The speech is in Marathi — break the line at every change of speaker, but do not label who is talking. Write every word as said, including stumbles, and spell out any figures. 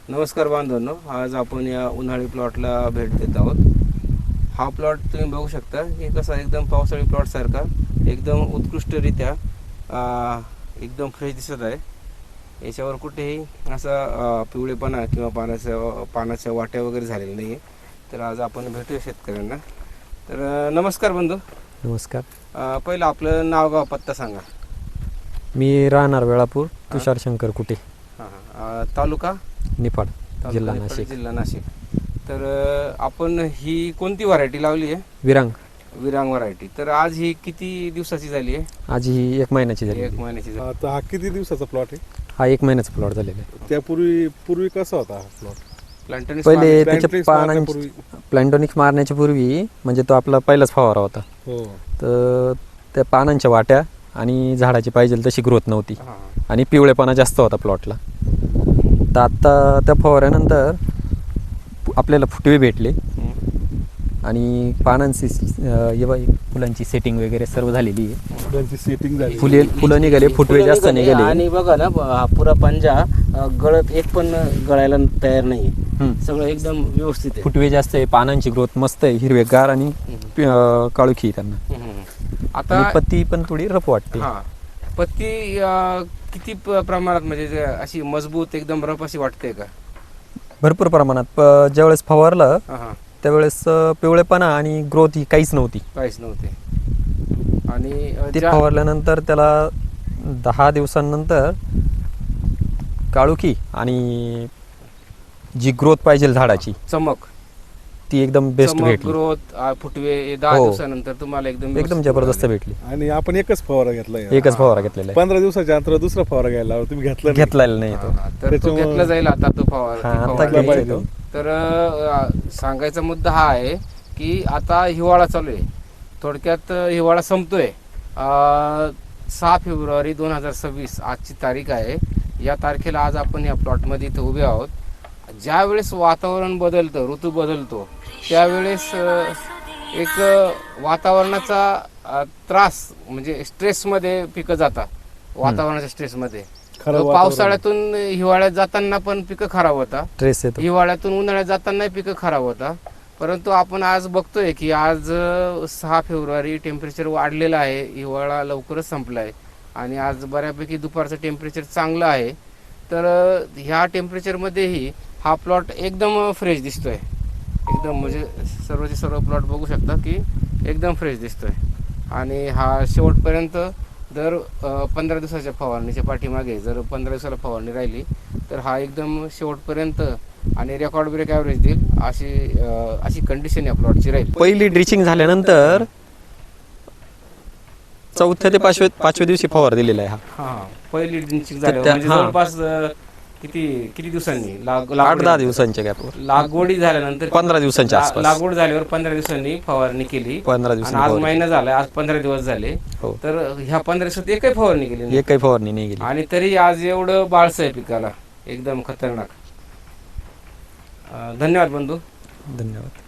नमस्कार बांधवांनो, आज आपण या उन्हाळी प्लॉटला भेट देत आहोत. हा प्लॉट तुम्ही बघू शकता की कसा एकदम पावसाळी प्लॉट सारखा एकदम उत्कृष्टरित्या आ, एकदम फ्रेश दिसत आहे. याच्यावर कुठेही असा आ, पिवळेपणा किंवा पानाच्या पानाच्या वाट्या वगैरे झालेल्या नाही आहे. तर आज आपण भेटूया शेतकऱ्यांना. तर अ, नमस्कार बंधू.
नमस्कार.
अ, पहिलं आपलं नाव गाव पत्ता सांगा.
मी राहणार वेळापूर, तुषार शंकर कुटे,
हां हां. तालुका
निफाड,
तालुका
जिल्हा
निफाड,
नाशिक.
जिल्हा नाशिक. तर अ, आपण ही कोणती व्हरायटी लावली आहे?
विरांग.
विरांग व्हरायटी. तर आज ही किती दिवसाची झाली आहे?
आज ही एक महिन्याची झाली.
एक महिन्याची झाली.
आता हा किती दिवसाचा प्लॉट आहे?
हा एक महिन्याचा प्लॉट झालेला आहे.
त्यापूर्वी पूर्वी कसा होता हा प्लॉट?
प्लांटनिक्स
पहिले
मारली-
त्याच्या
Plantrix
पानांची
मारण्यापूर्वी?
प्लॅन्टोनिक्स मारण्याच्या पूर्वी म्हणजे तो आपला पहिलाच फवारा होता.
हो.
तर त्या पानांच्या वाट्या आणि झाडाची पाहिजे तशी ग्रोथ नव्हती
हां.
आणि पिवळेपणा जास्त होता प्लॉटला. तर आत्ता त्या फवाऱ्यानंतर आपल्याला फुटवे भेटले
हम्म.
आणि पानांची अं, हे बघ, फुलांची सेटिंग वगैरे सर्व झालेली आहे.
फुलांची सेटिंग झाली.
फुले फुलं निघाले, फुटवे
फुलं
जास्त
निघाले
निघाले.
आणि बघा ना, ब- हा पुरा पंजा अ, गळत एक पण गळायला तयार नाही.
हम्म.
सगळं एकदम व्यवस्थित आहे.
फुटवे जास्त आहे, पानांची ग्रोथ मस्त आहे, हिरवेगार आणि पि- अं, काळुखी आहे त्यांना.
हम्म. आता
आणि पत्ती पण थोडी रफ वाटते.
हा पत्ती अ, किती प- प्रमाणात म्हणजे जे अशी मजबूत एकदम रफ अशी वाटते का?
भरपूर प्रमाणात प- ज्यावेळेस फवारलं
हा हा.
त्यावेळेस अं, पिवळेपणा आणि ग्रोथ ही काहीच नव्हती.
काहीच नव्हते. आणि अ,
ते
ज्या-
फवारल्यानंतर त्याला दहा दिवसांनंतर काळुखी आणि जी ग्रोथ पाहिजे झाडाची
चमक
ती एकदम बेस्ट
चमक
भेटली.
ग्रोथ अ, फुटवे हे दहा
हो.
दिवसानंतर तुम्हाला एकदम
एकदम
व्यवस्थित
जबरदस्त
मिळाले.
भेटली.
आणि आपण एकच फवारा घेतला
एकच फवारा घेतलेला आहे.
पंधरा दिवसाच्या अंतर दुसरा फवारा घ्यायला लावला. तुम्ही घेतला नाही?
घेतलेला नाही तो.
हा, हा. तर तो
त्याच्यामुळं-
घेतला जाईल आता तो फवार
हा,
ती
आता
फवारणी.
घ्यायचा
पाहिजे.
तो.
तर अ, सांगायचा मुद्दा हा आहे की आता हिवाळा चालू आहे. थोडक्यात अ, हिवाळा संपतोय. अ, सहा फेब्रुवारी दोन हजार सव्वीस आजची तारीख आहे. या तारखेला आज आपण या प्लॉटमध्ये इथं उभे आहोत. ज्या वेळेस वातावरण बदलतं, ऋतू बदलतो, त्यावेळेस अ, एक अ, वातावरणाचा अ, त्रास म्हणजे स्ट्रेसमध्ये पिकं जातात. वातावरणाच्या स्ट्रेसमध्ये
खराब
तो
वातावरण.
पावसाळ्यातून हिवाळ्यात जाताना पण पिकं खराब होतात.
ट्रेस येतो.
हिवाळ्यातून उन्हाळ्यात जाताना पिकं खराब होतात. परंतु आपण आज बघतोय की आज अ, सहा फेब्रुवारी टेम्परेचर वाढलेलं आहे. हिवाळा लवकरच संपला आहे आणि आज बऱ्यापैकी दुपारचं टेम्परेचर चांगलं आहे. तर अ, ह्या टेम्परेचरमध्येही हा प्लॉट एकदम फ्रेश दिसतोय. एकदम म्हणजे सर्वचे सर्व प्लॉट बघू शकता की एकदम फ्रेश दिसतोय. आणि हा शेवटपर्यंत दर अ, पंधरा दिवसाच्या फवारणीच्या पाठीमागे जर पंधरा दिवसाला फवारणी राहिली तर हा एकदम शेवटपर्यंत आणि रेकॉर्ड ब्रेक ॲव्हरेज देईल अशी अ, अशी कंडिशन या प्लॉटची राहील.
पहिली ड्रिचिंग झाल्यानंतर चौथ्या ते पाचव्या पाचव्या दिवशी फवार दिलेला आहे हा.
हा पहिली ड्रिंचिंग झाली
त्या-
म्हणजे
हा.
जवळपास अ, किती किती दिवसांनी लाग-
आठ
लागवडी-
दहा दिवसांच्या गॅपवर,
लागवडी झाल्यानंतर
पंधरा दिवसांच्या
ला-
आसपास.
लागवड झाल्यावर पंधरा दिवसांनी फवारणी केली.
पंधरा
आणि
दिवसांनी
आज
फवारणी.
महिना झालाय, आज पंधरा दिवस झाले.
हो.
तर ह्या पंधरा दिवसात एकही फवारणी केली नाही.
एक काही फवारणी नाही गेली.
आणि तरी आज एवढं बाळसं आहे पिकाला, एकदम खतरनाक. अं, धन्यवाद बंधू.
धन्यवाद.